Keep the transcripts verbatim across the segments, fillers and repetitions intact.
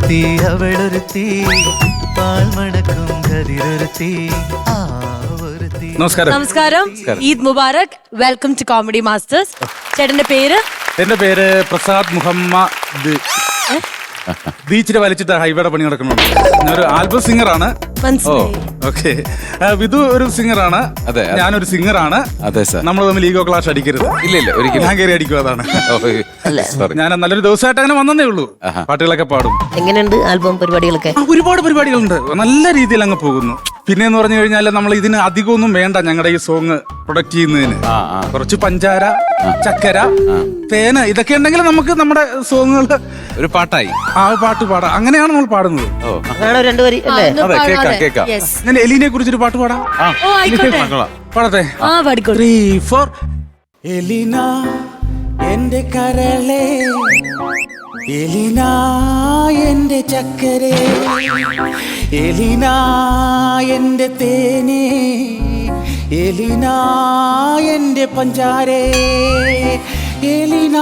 ഒരുത്തി അവളൊരുത്തി പാൽമണക്കും കതിരൊരുത്തി ആ ഒരുത്തി. നമസ്കാരം. നമസ്കാരം. ഈദ് മുബാറക്. Welcome to comedy masters. ചേട്ടന്റെ പേര്? എന്റെ പേര് പ്രസാദ് മുഹമ്മദ്. ബീച്ചിൽ വലിച്ചിട്ട് ഹൈവേയുടെ പണി നടക്കുന്നുണ്ട്. ഞാനൊരു ആൽബം സിംഗറാണ്. ഓക്കെ. വിധു ഒരു സിംഗറാണ്. അതെ. ഞാനൊരു സിംഗറാണ്. അതെ സാർ. നമ്മൾ തമ്മിൽ ഈഗോ ക്ലാഷ് അടിക്കരുത്. ഇല്ല ഇല്ല ഒരിക്കലും. ഞാൻ കയറി അടിക്കും. അതാണ്. സോറി. ഞാൻ നല്ലൊരു ദിവസമായിട്ട് അങ്ങനെ വന്നേ ഉള്ളൂ. പാട്ടുകളൊക്കെ പാടും. എങ്ങനെയുണ്ട് ആൽബം പരിപാടികളൊക്കെ? ആ, ഒരുപാട് പരിപാടികളുണ്ട്. നല്ല രീതിയിൽ അങ്ങ് പോകുന്നു. പിന്നെ എന്ന് പറഞ്ഞു കഴിഞ്ഞാൽ നമ്മൾ ഇതിന് അധികമൊന്നും വേണ്ട. ഞങ്ങളുടെ ഈ സോങ് പ്രൊഡക്റ്റ് ചെയ്യുന്നതിന് കുറച്ച് പഞ്ചാര, ചക്കര, തേന് ഇതൊക്കെ ഉണ്ടെങ്കിൽ നമുക്ക് നമ്മുടെ സോങ്ങുകൾ ഒരു പാട്ടായി. ആ പാട്ട് പാടാം. അങ്ങനെയാണ് നമ്മൾ പാടുന്നത്. അതാണോ രണ്ടു വരി അല്ലേ? അതെ, കേക്കാം കേക്കാം. ഞാൻ എലീനെ കുറിച്ചൊരു പാട്ട് പാടാം. പാടത്തെ? Three four. എലീന എന്റെ കരളെ, എലീന എന്റെ ചക്കരെ, എലീന എന്റെ തേനെ, എലീന എന്റെ പഞ്ചാരേ, എലീന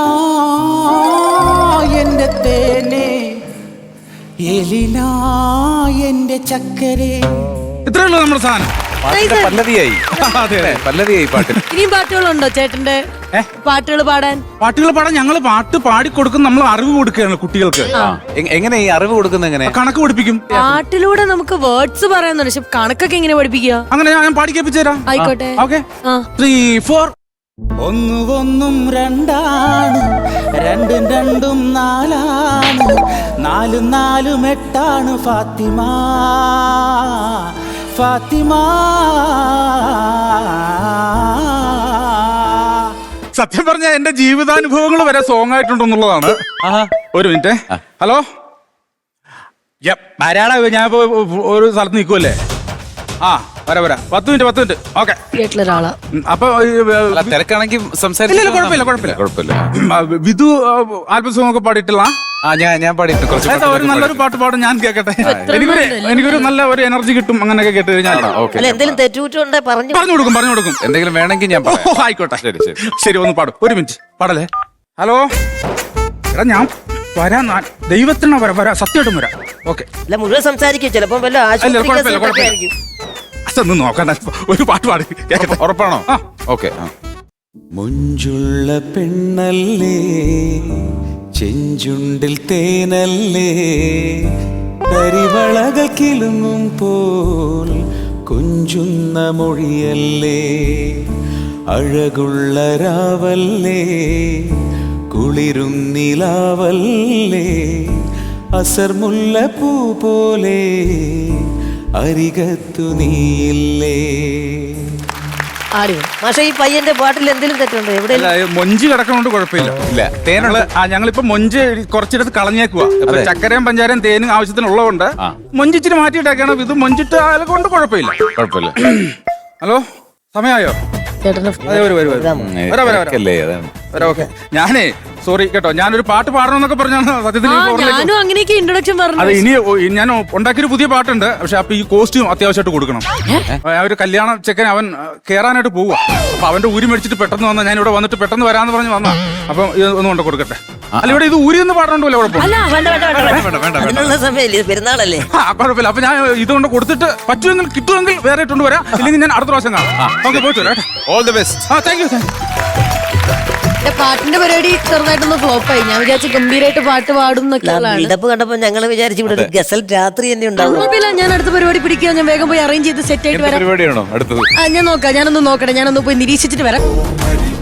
എന്റെ തേനെ, എലീന എന്റെ ചക്കരെ. ഇത്രേ ഉള്ളൂ നമ്മുടെ സാധനം. പല്ലവിയായി. പല്ലവിയായി പാട്ട്. ഇനിയും പാട്ടുകളുണ്ടോ ചേട്ടന്റെ? പാട്ടുകൾ പാടാൻ പാട്ടുകൾ പാടാൻ ഞങ്ങൾ പാട്ട് പാടിക്കൊടുക്കും. നമ്മൾ അറിവ് കൊടുക്കുകയാണ് കുട്ടികൾക്ക്. എങ്ങനെ ഈ അറിവ് കൊടുക്കുന്നത്? എങ്ങനെ? കണക്ക് പഠിപ്പിക്കും. പാട്ടിലൂടെ നമുക്ക് വേർഡ്സ് പറയാന്നുണ്ട്. പക്ഷെ കണക്കൊക്കെ എങ്ങനെ പഠിപ്പിക്കുക? അങ്ങനെ ഞാൻ പാടിക്കേപ്പിച്ചു തരാം. ആയിക്കോട്ടെ. ഓക്കെ. Three four. ഒന്നു ഒന്നും രണ്ടാണ്, രണ്ടും രണ്ടും നാലാണ്, നാലും നാലും എട്ടാണ് ഫാത്തിമ, ഫാത്തിമ. സത്യം പറഞ്ഞ എന്റെ ജീവിതാനുഭവങ്ങൾ വരെ സോങ് ആയിട്ടുണ്ടെന്നുള്ളതാണ്. ഒരു മിനിറ്റ്. ഹലോ. ആരാടാ? ഞാൻ ഇപ്പൊ ഒരു സ്ഥലത്ത് നിൽക്കുമല്ലേ? ആ വരാ വരാ. പത്ത് മിനിറ്റ് പത്ത് മിനിറ്റ്. ഓക്കെ. വീട്ടിലൊരാളാ. അപ്പൊ തിരക്കാണെങ്കിൽ സംസാരിക്കില്ല. കുഴപ്പമില്ല കുഴപ്പമില്ല കുഴപ്പമില്ല. വിധു ആൽബം സോങ് ഒക്കെ പാടിയിട്ടില്ല. ആ ഞാൻ ഞാൻ പാടിയിട്ട് കുറച്ച് ഒരു നല്ലൊരു പാട്ട് പാടും. ഞാൻ കേൾക്കട്ടെ. എനിക്കൊരു എനിക്കൊരു നല്ല ഒരു എനർജി കിട്ടും. അങ്ങനെയൊക്കെ കേട്ട് കഴിഞ്ഞാൽ എന്തെങ്കിലും തെറ്റുകുറ്റുണ്ടേ പറഞ്ഞു പറഞ്ഞു കൊടുക്കും പറഞ്ഞു കൊടുക്കും. എന്തെങ്കിലും വേണമെങ്കിൽ ഞാൻ ഓ ആയിക്കോട്ടെ. ശരി ശരി ശരി. ഒന്ന് പാടും. ഒരു മിനിറ്റ് പാടല്ലേ. ഹലോ. എടാ ഞാൻ വരാം. ദൈവത്തിന് വരാം വരാം. സത്യമായിട്ടും വരാം. ഓക്കെ. അല്ല മുഴുവൻ സംസാരിക്കും. ചിലപ്പോ വല്ല ആശുപത്രി അതൊന്നും നോക്കണ്ട. ഒരു പാട്ട് പാടി കേൾക്കട്ടെ. ഉറപ്പാണോ? ഓക്കെ. മുഞ്ചുള്ള പെണ്ണല്ലേ, ചെഞ്ചുണ്ടിൽ തേനല്ലേ, കരിവളകൾ കിലുങ്ങും പോൽ കൊഞ്ചുന്ന മൊഴിയല്ലേ, അഴകുള്ള രാവല്ലേ, കുളിരും നിലാവല്ലേ, അസർമുല്ല പൂ പോലെ അരികത്തു നീയില്ലേ. പക്ഷേ ഈ പയ്യന്റെ പാട്ടിൽ എന്തെങ്കിലും തെറ്റുണ്ടോ? എവിടെ മൊഞ്ച് കിടക്കണോണ്ട് കുഴപ്പമില്ല. ഇല്ല തേനുള്ള ഞങ്ങളിപ്പോ മൊഞ്ച് കുറച്ചിടത്ത് കളഞ്ഞേക്കുക. ചക്കരയും പഞ്ചാരയും തേനും ആവശ്യത്തിനുള്ളതുകൊണ്ട് മൊഞ്ചിച്ചിട്ട് മാറ്റിയിട്ടേക്കാണ്. ഇത് മൊഞ്ചിട്ട് കൊണ്ട് കുഴപ്പമില്ല. കുഴപ്പമില്ല. ഹലോ. സമയമായോ? ഞാനേ സോറി കേട്ടോ. ഞാനൊരു പാട്ട് പാടണമെന്നൊക്കെ പറഞ്ഞാണ് സത്യത്തിൽ. അത് ഇനി ഞാൻ ഉണ്ടാക്കിയൊരു പുതിയ പാട്ടുണ്ട്. പക്ഷെ അപ്പൊ ഈ കോസ്റ്റ്യൂം അത്യാവശ്യമായിട്ട് കൊടുക്കണം. ഒരു കല്യാണ ചെക്കൻ അവൻ കേറാനായിട്ട് പോവുക. അപ്പൊ അവന്റെ ഊരി മേടിച്ചിട്ട് പെട്ടെന്ന് വന്ന ഞാൻ ഇവിടെ വന്നിട്ട് പെട്ടെന്ന് വരാന്ന് പറഞ്ഞ് വന്ന. അപ്പൊ ഇത് ഒന്ന് കൊണ്ട് കൊടുക്കട്ടെ. അല്ല ഇവിടെ ഇത് ഊരി ഒന്ന് പാടണ്ടല്ലോ. പെരുന്നാളല്ലേ? കുഴപ്പമില്ല. അപ്പൊ ഞാൻ ഇതുകൊണ്ട് കൊടുത്തിട്ട് പറ്റുമെങ്കിൽ കിട്ടുമെങ്കിൽ വേറെ ഇട്ടുകൊണ്ട് വരാം. ഇല്ലെങ്കിൽ ഞാൻ അടുത്ത പ്രാവശ്യം കാണാം. ഓക്കെ പോയിട്ട് വരാം. All the best. ആ താങ്ക് യു. പാട്ടിന്റെ പരിപാടി ചെറുതായിട്ടൊന്ന് ഫ്ലോപ്പായി. ഞാൻ വിചാരിച്ചു ഗംഭീരമായിട്ട് പാട്ട് പാടും ബിൽഡപ്പ് കണ്ടപ്പോ ഞങ്ങൾ വിചാരിച്ചു ഇവിടെ ഗസൽ രാത്രി തന്നെ ഉണ്ടാവും. ഞാൻ അടുത്ത പരിപാടി പിടിക്കുക. ഞാൻ വേഗം പോയി അറേഞ്ച് ചെയ്ത് സെറ്റ് ആയിട്ട് വരാം. പരിപാടിയാണോ അടുത്തത്? ഞാൻ നോക്കാം. ഞാനൊന്ന് നോക്കട്ടെ. ഞാനൊന്ന് പോയി നിരീക്ഷിച്ചിട്ട് വരാം.